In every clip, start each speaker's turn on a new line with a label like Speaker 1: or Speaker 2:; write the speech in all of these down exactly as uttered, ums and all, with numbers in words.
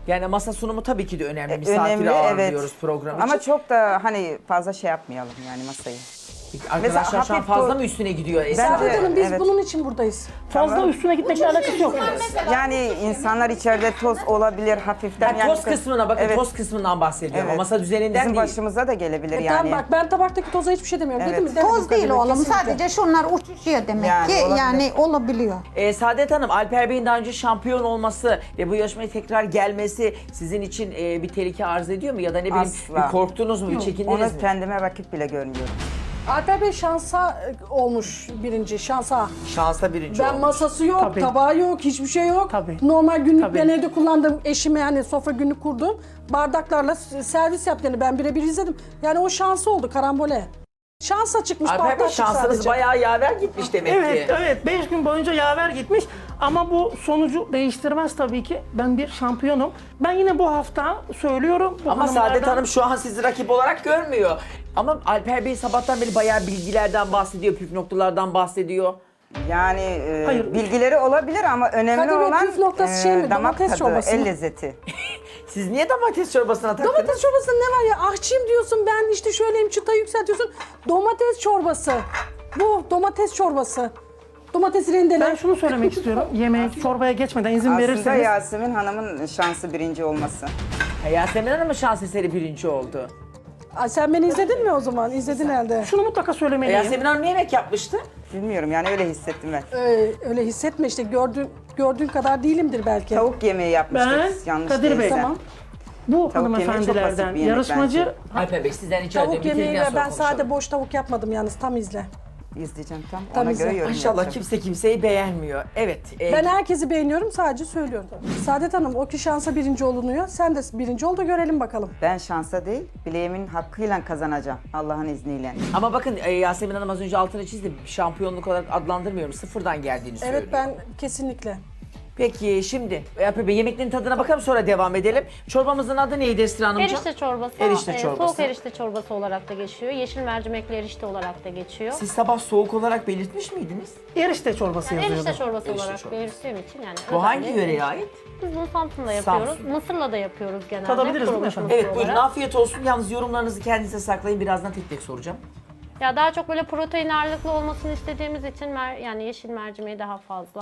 Speaker 1: Yani masa sunumu tabii ki de önemli.
Speaker 2: E,
Speaker 1: Misafiri
Speaker 2: önemli,
Speaker 1: ağırlıyoruz
Speaker 2: evet.
Speaker 1: program için.
Speaker 2: Ama çok da hani fazla şey yapmayalım yani masayı.
Speaker 1: Peki arkadaşlar
Speaker 2: Mesela
Speaker 1: şu an
Speaker 2: hafif
Speaker 1: fazla
Speaker 2: bu-
Speaker 1: mı üstüne gidiyor Esra?
Speaker 2: Bence-
Speaker 3: Saadet Hanım biz
Speaker 2: Evet.
Speaker 3: bunun için buradayız.
Speaker 4: Fazla
Speaker 2: Tamam.
Speaker 4: üstüne gitmekle alakası yok.
Speaker 2: Yani insanlar içeride toz olabilir hafiften.
Speaker 1: Yani
Speaker 2: yani
Speaker 1: toz kısmına bakın,
Speaker 2: Evet.
Speaker 1: toz kısmından bahsediyorum.
Speaker 2: Evet.
Speaker 1: O masa düzeninden
Speaker 2: Bizim
Speaker 1: değil.
Speaker 2: başımıza da gelebilir
Speaker 3: E
Speaker 2: yani.
Speaker 3: tamam bak ben tabaktaki toza hiçbir şey demiyorum.
Speaker 2: Evet.
Speaker 3: Dedim mi? Demedim
Speaker 5: Toz değil
Speaker 3: Kadir Bey,
Speaker 5: oğlum.
Speaker 3: kesinlikle.
Speaker 5: Sadece şunlar uçuşuyor demek
Speaker 2: Yani
Speaker 5: ki.
Speaker 2: olabilir.
Speaker 5: Yani olabiliyor.
Speaker 1: Ee, Saadet Hanım, Alper Bey'in daha önce şampiyon olması ve bu yarışmaya tekrar gelmesi sizin için e, bir tehlike arz ediyor mu? Ya da ne bileyim
Speaker 2: Asla.
Speaker 1: bir korktunuz mu, bir çekindiniz
Speaker 2: Onu
Speaker 1: mi?
Speaker 2: kendime rakip bile görmüyorum.
Speaker 3: Alper Bey şansa e, olmuş birinci şansa.
Speaker 1: Şansa birinci
Speaker 3: Ben
Speaker 1: olmuş.
Speaker 3: masası yok,
Speaker 4: Tabii.
Speaker 3: tabağı yok, hiçbir şey yok.
Speaker 4: Tabii.
Speaker 3: Normal günlük
Speaker 4: Tabii.
Speaker 3: ben evde kullandığım eşime yani sofra günlük kurdum. Bardaklarla s- servis yaptığını ben birebir izledim. Yani o şansı oldu karambole. Şansa çıkmış
Speaker 1: Alper Bey
Speaker 3: bardak çıktı
Speaker 1: şansınız
Speaker 3: sadece.
Speaker 1: bayağı yaver gitmiş demek
Speaker 4: Evet,
Speaker 1: ki.
Speaker 4: evet. Beş gün boyunca yaver gitmiş. Ama bu sonucu değiştirmez tabii ki. Ben bir şampiyonum. Ben yine bu hafta söylüyorum. Bu
Speaker 1: Ama Saadet
Speaker 4: hanımlardan-
Speaker 1: Hanım şu an sizi rakip olarak görmüyor. Ama Alper Bey sabahtan beri bayağı bilgilerden bahsediyor, püf noktalardan bahsediyor.
Speaker 2: Yani e,
Speaker 4: Hayır.
Speaker 2: bilgileri olabilir ama önemli
Speaker 3: Kadir Bey,
Speaker 2: olan
Speaker 3: püf noktası şey mi?
Speaker 2: damak
Speaker 3: Domates
Speaker 2: tadı,
Speaker 3: çorbası mı?
Speaker 2: el lezzeti.
Speaker 1: Siz niye domates çorbasına taktınız?
Speaker 3: Domates çorbasında ne var ya? Ahçıyım diyorsun, ben işte şöyleyim, çıtayı yükseltiyorsun. Domates çorbası. Bu domates çorbası. Domatesi rendele.
Speaker 4: Ben şunu söylemek istiyorum. Yemek, çorbaya geçmeden izin
Speaker 2: Aslında
Speaker 4: verirseniz.
Speaker 2: Yasemin Hanım'ın şansı birinci olması.
Speaker 1: Ha, Yasemin Hanım mı şans eseri birinci oldu?
Speaker 3: Ay, sen beni izledin mi o zaman? İzledin herhalde.
Speaker 4: Şunu mutlaka
Speaker 1: E,
Speaker 4: söylemeliyim.
Speaker 1: Yasemin Hanım ne yemek yapmıştı?
Speaker 2: Bilmiyorum yani öyle hissettim ben.
Speaker 3: Ee, öyle hissetme işte, gördüğün, gördüğün kadar değilimdir belki.
Speaker 2: Tavuk yemeği yapmıştık
Speaker 4: Ben,
Speaker 2: yanlış
Speaker 4: Kadir Bey,
Speaker 2: değilsem.
Speaker 3: Tamam.
Speaker 4: Bu
Speaker 2: Tavuk yemeği çok
Speaker 4: hanımefendilerden
Speaker 2: basit bir yemek
Speaker 4: yarışmacı
Speaker 2: bence.
Speaker 1: Alper Bey sizden rica ediyorum.
Speaker 3: Tavuk yemeği
Speaker 1: bitirdikten
Speaker 3: ve
Speaker 1: sonra
Speaker 3: ben
Speaker 1: konuşalım.
Speaker 3: sade boş tavuk yapmadım yalnız, tam izle.
Speaker 2: İzleyeceğim tam.
Speaker 3: Tam
Speaker 2: Ona
Speaker 3: izle.
Speaker 2: göre yorum
Speaker 1: İnşallah
Speaker 2: yapacağım.
Speaker 1: kimse kimseyi beğenmiyor. Evet. e,
Speaker 3: Ben herkesi beğeniyorum, sadece söylüyorum. Saadet Hanım, o ki şansa birinci olunuyor. Sen de birinci ol da görelim bakalım.
Speaker 2: Ben şansa değil, bileğimin hakkıyla kazanacağım Allah'ın izniyle.
Speaker 1: Ama bakın e, Yasemin Hanım az önce altını çizdi. Şampiyonluk olarak adlandırmıyorum. Sıfırdan geldiğini söylüyor.
Speaker 3: Evet, ben kesinlikle.
Speaker 1: Peki şimdi Alper Bey yemeklerin tadına bakalım sonra devam edelim. Çorbamızın adı neydi Esra Hanımcığım?
Speaker 6: Erişte çorbası,
Speaker 1: Erişte
Speaker 6: e,
Speaker 1: çorbası.
Speaker 6: soğuk erişte çorbası olarak da geçiyor. Yeşil mercimekli erişte olarak da geçiyor.
Speaker 1: Siz sabah soğuk olarak belirtmiş miydiniz?
Speaker 4: erişte çorbası
Speaker 6: Yani
Speaker 4: yazıyordu.
Speaker 6: erişte çorbası
Speaker 1: Erişte
Speaker 6: olarak
Speaker 1: çorbası.
Speaker 6: belirttiğim için yani.
Speaker 1: Bu hangi
Speaker 6: özellikle-
Speaker 1: yöreye ait?
Speaker 6: Biz bunu Samsun'da yapıyoruz.
Speaker 1: Samsun.
Speaker 6: Mısır'la da yapıyoruz genelde.
Speaker 4: Tadabiliriz değil mi
Speaker 6: kurumuş
Speaker 4: efendim?
Speaker 6: mısır
Speaker 1: Evet buyurun
Speaker 6: olarak.
Speaker 1: afiyet olsun. Yalnız yorumlarınızı kendinize saklayın. Birazdan tek tek soracağım.
Speaker 6: Ya daha çok böyle protein ağırlıklı olmasını istediğimiz için mer yani yeşil mercimeği daha fazla.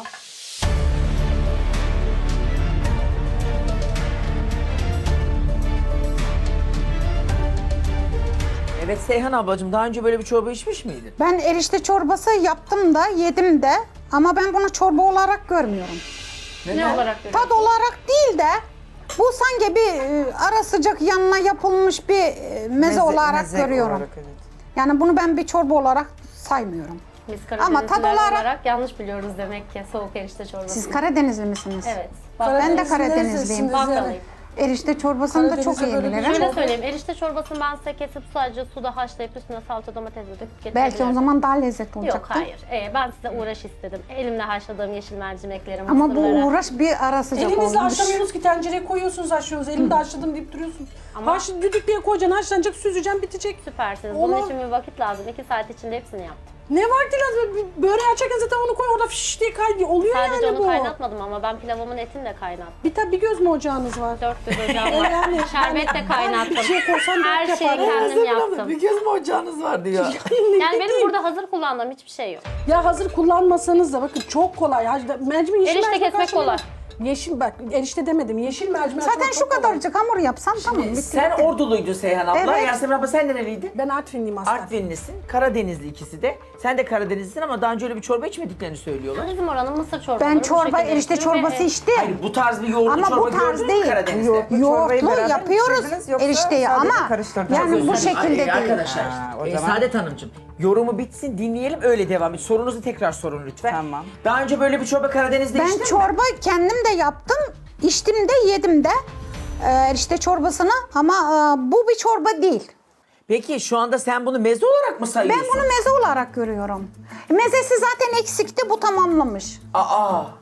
Speaker 1: Evet Seyhan ablacığım daha önce böyle bir çorba içmiş miydin?
Speaker 5: Ben erişte çorbası yaptım da yedim de ama ben bunu çorba olarak görmüyorum.
Speaker 6: Ne olarak görüyorsunuz?
Speaker 5: Tad olarak değil de bu sanki bir e, ara sıcak yanına yapılmış bir e, meze, olarak
Speaker 2: meze
Speaker 5: görüyorum.
Speaker 2: olarak, evet.
Speaker 5: Yani bunu ben bir çorba olarak saymıyorum.
Speaker 6: Biz
Speaker 5: Ama tad
Speaker 6: Karadenizliler
Speaker 5: olarak-
Speaker 6: olarak yanlış biliyoruz demek ki soğuk erişte çorbası.
Speaker 5: Siz Karadenizli misiniz?
Speaker 6: Evet.
Speaker 5: Ben de
Speaker 3: Karadenizlisiniz,
Speaker 5: Karadenizliyim.
Speaker 6: Bakkalıyım.
Speaker 5: Erişte çorbasını da çok
Speaker 3: Karadeniz'e
Speaker 5: iyi
Speaker 3: böyle bir
Speaker 5: bilirim.
Speaker 6: Şöyle söyleyeyim, erişte çorbasını ben size kesip sadece suda haşlayıp üstüne salça domates döküp getirebilirim.
Speaker 5: Belki o zaman daha lezzetli
Speaker 6: Yok
Speaker 5: olacaktı.
Speaker 6: hayır, ee, ben size uğraş istedim. Elimle haşladığım yeşil mercimekleri,
Speaker 5: Ama bu
Speaker 6: mısırları.
Speaker 5: uğraş bir ara sıcak
Speaker 3: Elinizle
Speaker 5: olmuş.
Speaker 3: haşlamıyoruz ki, tencereye koyuyorsunuz, haşlıyorsunuz. Elimde haşladım deyip duruyorsun. Ama... Haş, düdüklüye koyacaksın, haşlanacak, süzeceksin, bitecek.
Speaker 6: Süpersiniz.
Speaker 3: Olur.
Speaker 6: Bunun için bir vakit lazım. İki saat içinde hepsini yaptım.
Speaker 3: Ne vakti lazım? Böreği açarken zaten onu koy, orada fiş diye kay. Oluyor
Speaker 6: Sadece
Speaker 3: yani
Speaker 6: onu
Speaker 3: bu.
Speaker 6: kaynatmadım ama ben pilavımın etini de kaynattım.
Speaker 3: Bir tabi bir göz mü ocağınız var?
Speaker 6: Dört göz ocağım var.
Speaker 3: Yani-
Speaker 6: Şerbet de
Speaker 3: yani
Speaker 6: kaynattım.
Speaker 3: bir şey koysan dört
Speaker 6: Her şeyi
Speaker 3: yapar.
Speaker 6: kendim yaptım.
Speaker 1: Bir göz mü ocağınız var diyor.
Speaker 6: Yani benim burada hazır kullandığım hiçbir şey yok.
Speaker 3: Ya hazır kullanmasanız da bakın çok kolay. Mercimek, yeşil
Speaker 6: Erişte
Speaker 3: mercimek
Speaker 6: kesmek
Speaker 3: haşlanıyor.
Speaker 6: kolay.
Speaker 3: Yeşil bak, erişte demedim. Yeşil mercimek
Speaker 5: Zaten
Speaker 3: haşlamak
Speaker 5: şu
Speaker 3: çok kolay.
Speaker 5: kadarcık hamur yapsan tamam bitti.
Speaker 1: Sen
Speaker 5: bitti.
Speaker 1: Orduluydun Seyhan abla.
Speaker 5: Evet.
Speaker 1: Yasemin abla sen nereliydin?
Speaker 3: Ben Artvinliyim aslında.
Speaker 1: Artvinlisin, Karadenizli ikisi de. Sen de Karadenizlisin ama daha önce öyle bir çorba içmediklerini söylüyorlar.
Speaker 6: Bizim oranın mısır çorbaları
Speaker 5: Ben
Speaker 6: bu
Speaker 5: çorba,
Speaker 6: şekilde
Speaker 5: erişte
Speaker 6: yapılıyor ve,
Speaker 5: çorbası
Speaker 6: e,
Speaker 5: içtim.
Speaker 1: Hayır bu tarz bir yoğurtlu
Speaker 5: Ama
Speaker 1: çorba
Speaker 5: bu tarz
Speaker 1: gördün mü
Speaker 5: değil.
Speaker 1: Karadeniz'de?
Speaker 2: Yok. Bu çorbayı
Speaker 5: Yoğurtlu
Speaker 2: beraber
Speaker 5: yapıyoruz
Speaker 2: pişirdiniz yoksa
Speaker 5: erişteyi
Speaker 2: sadece
Speaker 5: ama
Speaker 2: karıştırdınız?
Speaker 5: yani bu
Speaker 1: Özür dilerim.
Speaker 5: şekilde
Speaker 1: Ay,
Speaker 5: değil.
Speaker 1: Arkadaşlar,
Speaker 2: Ha, o
Speaker 1: e,
Speaker 2: zaman-
Speaker 1: Saadet Hanımcığım yorumu bitsin dinleyelim öyle devam et. Sorunuzu tekrar sorun lütfen.
Speaker 2: Tamam.
Speaker 1: Daha önce böyle bir çorba Karadeniz'de içtin
Speaker 5: Ben
Speaker 1: mi?
Speaker 5: çorba kendim de yaptım, içtim de yedim de e, erişte çorbasını ama e, bu bir çorba değil.
Speaker 1: Peki şu anda sen bunu meze olarak mı
Speaker 5: Ben
Speaker 1: sayıyorsun?
Speaker 5: bunu meze olarak görüyorum. Mezesi zaten eksikti, bu tamamlamış.
Speaker 1: Aa,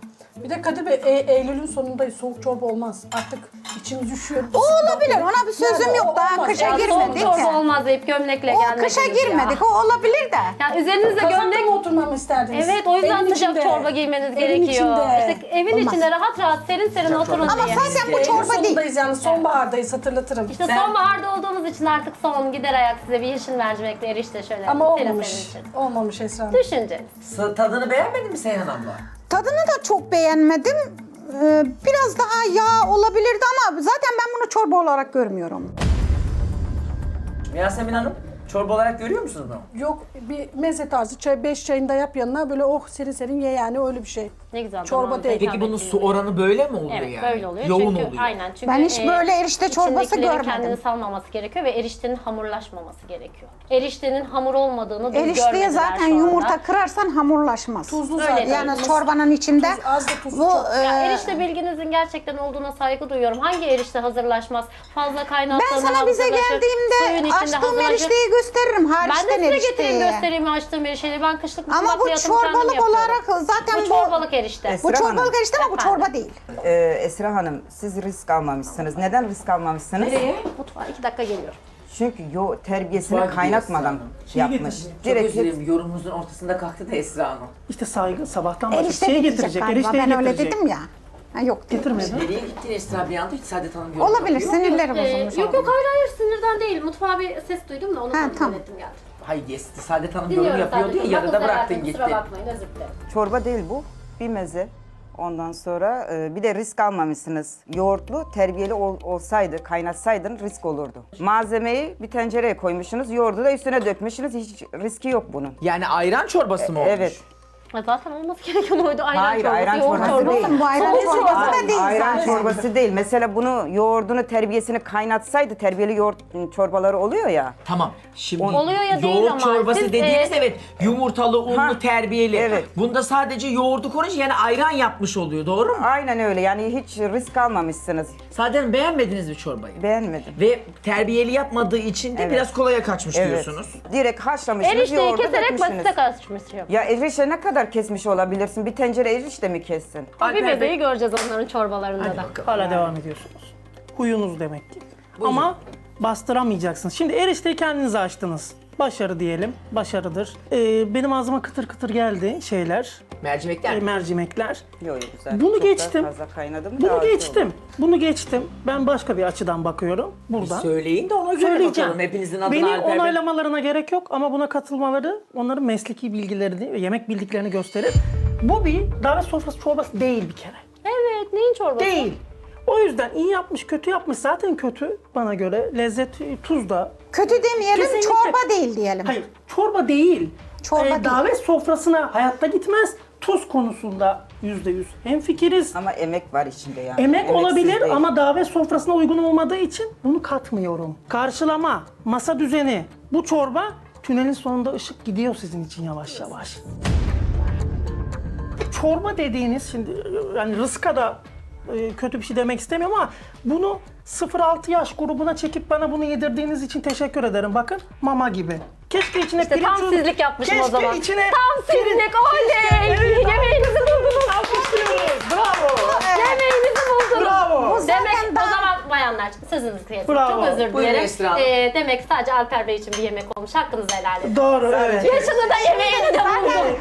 Speaker 3: Bir de Kadir Bey, e- Eylül'ün sonundayız. Soğuk çorba olmaz. Artık içimiz üşüyor.
Speaker 5: O olabilir. Ona bir sözüm
Speaker 3: Yani
Speaker 5: yok.
Speaker 3: o
Speaker 5: Daha
Speaker 3: olmaz.
Speaker 5: kışa
Speaker 6: Ya soğuk
Speaker 5: girmedik.
Speaker 6: çorba olmaz deyip gömlekle
Speaker 5: O
Speaker 6: gelmediniz
Speaker 5: kışa
Speaker 6: ya.
Speaker 5: girmedik. O olabilir de.
Speaker 6: Yani üzerinizde
Speaker 3: Kazakta
Speaker 6: gömlek...
Speaker 3: mı oturmamı isterdiniz?
Speaker 6: Evet, o yüzden
Speaker 3: Evin
Speaker 6: sıcak
Speaker 3: içinde.
Speaker 6: çorba giymeniz
Speaker 3: Evin
Speaker 6: gerekiyor.
Speaker 3: içinde.
Speaker 6: İşte evin
Speaker 5: Olmaz.
Speaker 6: içinde rahat rahat serin serin oturun
Speaker 5: Ama
Speaker 6: diye.
Speaker 5: zaten bu
Speaker 3: Eylül
Speaker 5: çorba değil.
Speaker 3: sonundayız yani sonbahardayız, hatırlatırım.
Speaker 6: İşte sonbaharda olduğumuz için artık son gider ayak size bir yeşil mercimekli erişte şöyle
Speaker 3: Ama
Speaker 6: serin
Speaker 3: olmamış.
Speaker 6: serin için.
Speaker 3: Olmamış Esra.
Speaker 6: Düşünce.
Speaker 1: S- Tadını beğenmedin mi Seyhan abla?
Speaker 5: Tadını da çok beğenmedim. Ee, biraz daha yağ olabilirdi ama zaten ben bunu çorba olarak görmüyorum.
Speaker 1: Yasemin Hanım, çorba olarak görüyor musunuz bunu?
Speaker 3: Yok, bir meze tarzı çay, beş çayını da yap yanına böyle oh serin serin ye yani öyle bir şey.
Speaker 6: Ne güzel.
Speaker 3: Çorba
Speaker 6: damağınıza
Speaker 3: değil.
Speaker 6: hitap
Speaker 1: Peki bunun
Speaker 6: ettiği
Speaker 1: su
Speaker 6: gibi.
Speaker 1: oranı böyle mi oluyor
Speaker 6: Evet,
Speaker 1: yani?
Speaker 6: böyle oluyor.
Speaker 1: Yoğun
Speaker 6: çünkü,
Speaker 1: oluyor.
Speaker 6: Aynen. Çünkü
Speaker 5: Ben hiç böyle erişte çorbası
Speaker 6: içindekilerin
Speaker 5: görmedim.
Speaker 6: kendini salmaması gerekiyor ve eriştenin hamurlaşmaması gerekiyor. Eriştenin hamur olmadığını biz
Speaker 5: Erişteye
Speaker 6: görmediler
Speaker 5: zaten
Speaker 6: şu anda.
Speaker 5: yumurta kırarsan hamurlaşmaz.
Speaker 3: Tuzlu
Speaker 6: Öyle
Speaker 3: zaten.
Speaker 6: değil.
Speaker 5: Yani çorbanın içinde
Speaker 3: Tuz, az da tuz
Speaker 5: bu
Speaker 3: çok.
Speaker 5: e,
Speaker 6: Ya erişte bilginizin gerçekten olduğuna saygı duyuyorum. Hangi erişte hazırlaşmaz? Fazla
Speaker 5: ben
Speaker 6: kaynattığında
Speaker 5: sana bize
Speaker 6: hazırlaşır, suyun
Speaker 5: geldiğimde
Speaker 6: içinde
Speaker 5: açtığım
Speaker 6: hazırlaşır.
Speaker 5: erişteyi gösteririm.
Speaker 6: Ben de
Speaker 5: Hariçten
Speaker 6: size getireyim
Speaker 5: erişteyi.
Speaker 6: göstereyim açtığım erişteyi. Ben kışlık
Speaker 5: Ama
Speaker 6: mutfak
Speaker 5: bu
Speaker 6: hayatımı kendim
Speaker 5: çorbalık
Speaker 6: yapıyorum.
Speaker 5: olarak zaten
Speaker 6: Bu
Speaker 5: bu,
Speaker 6: çorbalık erişte.
Speaker 2: Es-
Speaker 5: bu
Speaker 2: Esra
Speaker 5: çorbalık
Speaker 2: Hanım.
Speaker 5: erişte ama bu
Speaker 6: Efendim?
Speaker 5: çorba değil.
Speaker 2: Ee, Esra Hanım, siz risk almamışsınız. Neden risk almamışsınız?
Speaker 1: Nereye?
Speaker 6: Mutfağa iki dakika geliyorum.
Speaker 2: Çünkü yo terbiyesini
Speaker 1: Mutfağa
Speaker 2: kaynatmadan
Speaker 1: gidiyor Esra
Speaker 2: yapmış.
Speaker 1: Çok
Speaker 2: Direkt
Speaker 1: özür dilerim, yorumunuzun ortasında kalktı da Esra Hanım.
Speaker 4: İşte saygı sabahtan başlayıp
Speaker 5: Erişte
Speaker 4: şey
Speaker 5: getirecek
Speaker 4: getirecek,
Speaker 5: galiba.
Speaker 4: erişteyi
Speaker 5: Ben öyle
Speaker 4: getirecek.
Speaker 5: dedim ya. Ha, yok.
Speaker 4: Getirmedi.
Speaker 1: Nereye gittin Esra bir anda? Hiç Saadet Hanım yorum
Speaker 5: Olabilir.
Speaker 1: yapıyor.
Speaker 5: Sinirlerim
Speaker 6: Ee,
Speaker 5: bozulmuş.
Speaker 6: yok
Speaker 5: olabilir.
Speaker 6: yok hayır hayır sinirden değil. Mutfağa bir ses duydum da onu
Speaker 5: Ha,
Speaker 6: kontrol
Speaker 5: tamam.
Speaker 6: ettim geldim.
Speaker 1: Hayır, yes, Saadet Hanım yorum
Speaker 6: Dinliyorum
Speaker 1: yapıyor
Speaker 6: sadece.
Speaker 1: diye yarıda
Speaker 6: Bakın
Speaker 1: bıraktın
Speaker 6: Selahattin,
Speaker 1: gitti.
Speaker 6: kusura bakmayın özür dilerim.
Speaker 2: Çorba değil bu, bir meze. Ondan sonra e, bir de risk almamışsınız. Yoğurtlu, terbiyeli ol- olsaydı, kaynatsaydın risk olurdu. Malzemeyi bir tencereye koymuşsunuz, yoğurdu da üstüne dökmüşsünüz. Hiç riski yok bunun.
Speaker 1: Yani ayran çorbası mı olmuş?
Speaker 2: Evet.
Speaker 6: Ya zaten olması gereken oydu. Ayran
Speaker 2: Hayır,
Speaker 6: çorbası,
Speaker 2: ayran
Speaker 6: yoğurt
Speaker 2: çorbası
Speaker 6: çorbası.
Speaker 2: değil.
Speaker 5: Oğlum bu ayran
Speaker 6: Soğuk
Speaker 5: çorbası
Speaker 6: çorba.
Speaker 5: da değil
Speaker 2: Ayran
Speaker 5: zaten.
Speaker 2: çorbası değil. Mesela bunu yoğurdunu, terbiyesini kaynatsaydı, terbiyeli yoğurt çorbaları oluyor ya.
Speaker 1: Tamam. Şimdi
Speaker 6: Oluyor ya değil
Speaker 1: yoğurt
Speaker 6: ama
Speaker 1: çorbası
Speaker 6: siz,
Speaker 1: dediğiniz
Speaker 6: e,
Speaker 1: evet yumurtalı, unlu,
Speaker 2: Ha,
Speaker 1: terbiyeli.
Speaker 2: evet.
Speaker 1: Bunda sadece yoğurdu konunca yani ayran yapmış oluyor, doğru mu?
Speaker 2: Aynen öyle, yani hiç risk almamışsınız.
Speaker 1: Zaten beğenmediniz mi çorbayı?
Speaker 2: Beğenmedim.
Speaker 1: Ve terbiyeli yapmadığı için de
Speaker 2: Evet.
Speaker 1: biraz kolaya kaçmış
Speaker 2: Evet.
Speaker 1: diyorsunuz.
Speaker 2: Direkt haşlamışsınız,
Speaker 6: Erişteyi
Speaker 2: yoğurdu
Speaker 6: keserek
Speaker 2: dökmüşsünüz.
Speaker 6: basite kaçmış yok.
Speaker 2: Ya erişte ne kadar kesmiş olabilirsin? Bir tencere erişte mi kessin?
Speaker 6: Bir
Speaker 1: Alper Bey-
Speaker 6: bebeği göreceğiz onların çorbalarında
Speaker 1: Hadi
Speaker 6: da.
Speaker 1: bakalım.
Speaker 4: Hala devam ediyorsunuz. Huyunuz demek ki.
Speaker 1: Buyurun.
Speaker 4: Ama bastıramayacaksınız. Şimdi erişteyi kendinize açtınız. Başarı diyelim. Başarıdır. Ee, benim ağzıma kıtır kıtır geldi şeyler.
Speaker 1: Mercimekler
Speaker 4: e,
Speaker 1: mi?
Speaker 4: mercimekler.
Speaker 2: Yok yok güzel.
Speaker 4: Bunu
Speaker 2: Çok da
Speaker 4: geçtim.
Speaker 2: Fazla kaynadı mı?
Speaker 4: Bunu
Speaker 2: daha iyi
Speaker 4: geçtim.
Speaker 2: olur.
Speaker 4: Bunu geçtim. Ben başka bir açıdan bakıyorum. Buradan.
Speaker 1: Söyleyin de ona göre
Speaker 4: Söyleyeceğim.
Speaker 1: bakalım. Hepinizin adına
Speaker 4: Beni
Speaker 1: Alper Bey.
Speaker 4: onaylamalarına gerek yok ama buna katılmaları onların mesleki bilgilerini ve yemek bildiklerini gösterir. Bu bir davet sofrası çorbası değil bir kere.
Speaker 6: Evet neyin çorbası?
Speaker 4: Değil. O yüzden iyi yapmış, kötü yapmış. Zaten kötü bana göre. Lezzet, tuz da.
Speaker 5: Kötü demeyelim,
Speaker 4: Kesinlikle.
Speaker 5: çorba değil diyelim.
Speaker 4: Hayır, çorba değil.
Speaker 5: Çorba değil.
Speaker 4: Davet sofrasına hayatta gitmez. Tuz konusunda yüzde yüz hemfikiriz.
Speaker 2: Ama emek var içinde yani.
Speaker 4: Emek
Speaker 2: Emeksiz
Speaker 4: olabilir
Speaker 2: değil.
Speaker 4: ama davet sofrasına uygun olmadığı için bunu katmıyorum. Karşılama, masa düzeni, bu çorba tünelin sonunda ışık gidiyor sizin için yavaş yavaş. Çorba dediğiniz şimdi yani rızka da e, kötü bir şey demek istemiyorum ama bunu sıfır altı yaş grubuna çekip bana bunu yedirdiğiniz için teşekkür ederim. Bakın mama gibi. Keşke içine
Speaker 6: İşte
Speaker 4: pirinç
Speaker 6: tam
Speaker 4: unu-
Speaker 6: sizlik yapmışım
Speaker 4: Keşke
Speaker 6: o zaman.
Speaker 4: içine
Speaker 6: Tam sizlik oley!
Speaker 4: Evet.
Speaker 6: Yemeğinizi buldunuz.
Speaker 4: alkışlıyoruz. Bravo.
Speaker 6: Yemeğinizi buldunuz.
Speaker 4: Bravo.
Speaker 5: Bu
Speaker 6: Demek
Speaker 5: zaten
Speaker 6: o
Speaker 5: daha-
Speaker 6: zaman bayanlar sözünüzü kestim.
Speaker 4: Bravo.
Speaker 6: Çok özür
Speaker 1: Buyurun
Speaker 6: dilerim.
Speaker 1: Esra Hanım.
Speaker 6: Ee, demek sadece Alper Bey için bir yemek olmuş. Hakkınızı helal edin.
Speaker 4: Doğru, evet.
Speaker 6: Yaşını da yemeğini de buldum.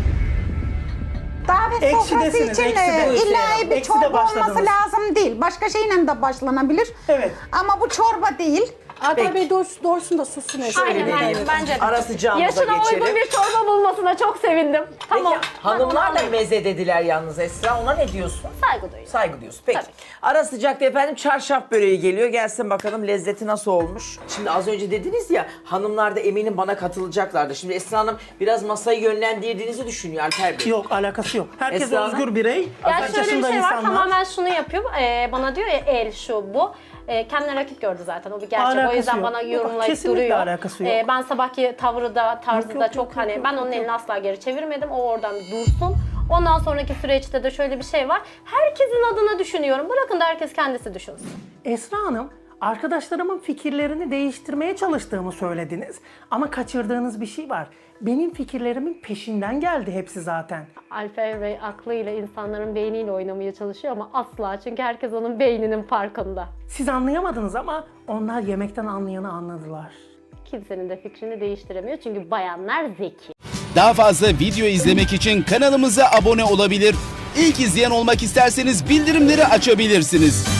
Speaker 5: Davet sofrası
Speaker 4: Ekşidesiniz,
Speaker 5: için
Speaker 4: eksi de.
Speaker 5: e, illa bir
Speaker 4: Eksi de
Speaker 5: çorba olması
Speaker 4: başladınız.
Speaker 5: lazım değil. Başka şeyle de başlanabilir.
Speaker 4: Evet.
Speaker 5: Ama bu çorba değil.
Speaker 3: Alper Bey doğrusu, doğrusunu da sussun Esra.
Speaker 6: Aynen
Speaker 1: Öyle
Speaker 6: aynen
Speaker 1: değil.
Speaker 6: bence de.
Speaker 1: Ara sıcağımıza
Speaker 6: Yaşına
Speaker 1: geçelim.
Speaker 6: uygun bir çorba bulmasına çok sevindim. Tamam.
Speaker 1: Peki hanımlar da meze dediler yalnız Esra. Ona ne diyorsun?
Speaker 6: Saygı duyuyorum.
Speaker 1: Saygı diyorsun. Peki.
Speaker 6: Tabii.
Speaker 1: Ara sıcakta efendim çarşaf böreği geliyor. Gelsin bakalım lezzeti nasıl olmuş. Şimdi az önce dediniz ya hanımlar da eminim bana katılacaklardı. Şimdi Esra Hanım biraz masayı yönlendirdiğinizi düşünüyor Alper Bey.
Speaker 4: Yok, alakası yok. Herkes
Speaker 1: Esra Hanım?
Speaker 4: özgür birey.
Speaker 6: Ya
Speaker 4: Kaç
Speaker 6: şöyle bir
Speaker 4: yaşında
Speaker 6: şey var,
Speaker 4: insanlar.
Speaker 6: tamamen şunu yapıyor. Ee, bana diyor ya el şu bu. Ee, kendine rakip gördü zaten, o bir gerçek.
Speaker 4: Alakası
Speaker 6: o yüzden
Speaker 4: yok.
Speaker 6: bana
Speaker 4: Yok,
Speaker 6: yorumlayıp
Speaker 4: kesinlikle
Speaker 6: duruyor.
Speaker 4: alakası yok.
Speaker 6: Ee, ben sabahki tavrı da, tarzı
Speaker 4: Yok,
Speaker 6: da
Speaker 4: yok,
Speaker 6: çok
Speaker 4: yok,
Speaker 6: hani,
Speaker 4: yok,
Speaker 6: ben
Speaker 4: yok,
Speaker 6: onun
Speaker 4: yok.
Speaker 6: elini asla geri çevirmedim. O oradan dursun. Ondan sonraki süreçte de şöyle bir şey var. Herkesin adına düşünüyorum. Bırakın da herkes kendisi düşünsün.
Speaker 4: Esra Hanım Arkadaşlarımın fikirlerini değiştirmeye çalıştığımı söylediniz. Ama kaçırdığınız bir şey var. Benim fikirlerimin peşinden geldi hepsi zaten.
Speaker 6: Alper Bey aklıyla insanların beyniyle oynamaya çalışıyor ama asla, çünkü herkes onun beyninin farkında.
Speaker 4: Siz anlayamadınız ama onlar yemekten anlayanı anladılar.
Speaker 6: Kimsenin de fikrini değiştiremiyor çünkü bayanlar zeki.
Speaker 7: Daha fazla video izlemek için kanalımıza abone olabilir. İlk izleyen olmak isterseniz bildirimleri açabilirsiniz.